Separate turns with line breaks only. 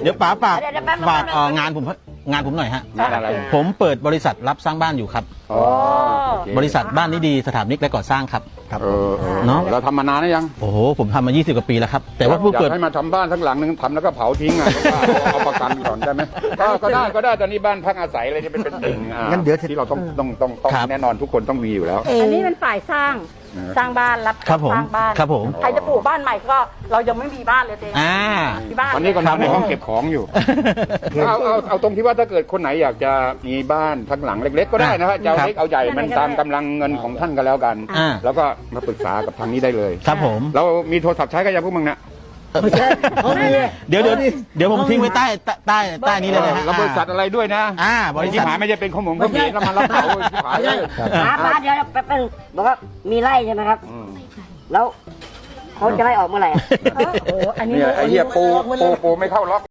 ดี๋ยวป๋าฝาก
เดี๋ยวแป๊บนึง
ฝากงานผมหน่อยฮะ
งานอะไร
ผมเปิดบริษัทรับสร้างบ้านอยู่ครับ
อ๋อโอเค
บริษัทบ้านนี้ดีสถาปนิกและก่อสร้างครับ
เนาะเราทำมานานหรือยัง
โอ้โหผมทำมา20กว่าปีแล้วครับแต่ว่าเพิ่ง
อยา
เปิด
กให้มาทำบ้านทั้งหลังนึงทำแล้วก็เผาทิ้งอ่ะเอาประกันก่อนได้ไหมก็ได้ตอนนี้บ้านพักอาศัยอะไรจะเป็นสิ่งงั้นเดี๋ยวที่เราต้องแน่นอนทุกคนต้องมีอยู่แล้ว
อันนี้เป็นฝ่ายสร้างบ้านรับ
ครับผม
สร้างบ้าน
ครับผม
ใครจะปลูกบ้านใหม่ก็เรายังไม่มีบ้านเลยเอง มีบ้าน
ตอนนี้ก็นอนในห้องเก็บของอยู่เอาตรงที่ว่าถ้าเกิดคนไหนอยากจะมีบ้านทั้งหลังเล็กๆก็ได้นะฮะจะเอาเล็กเอาใหญ่มันตามกำลังเงินของท่านก็แล้วกัน แล้วก็มาปรึกษากับทางนี้ได้เลย
ครับผม
เรามีโทรศัพท์ใช้กันยังพวกมึงนะ
เดี๋ยวผมทิ้งไว้ใต้นี้เลยนะฮะ
แล้วบริษัทอะไรด้วยนะ
บริ
ที่
ษัท
หายไม่ใช่เป็นข้อมูลข้อมูลแล้วมันรับเหมาที่หายเลย
ป้าเดี๋ยวแป๊บนึงบอกว่ามีไร่ใช่ไหมครับ แล้วเขาจะไล่ออกเมื่อไหร่
โอ้โหอันนี้
เนี่ยไอ้เหี้ยปูไม่เข้าล็อก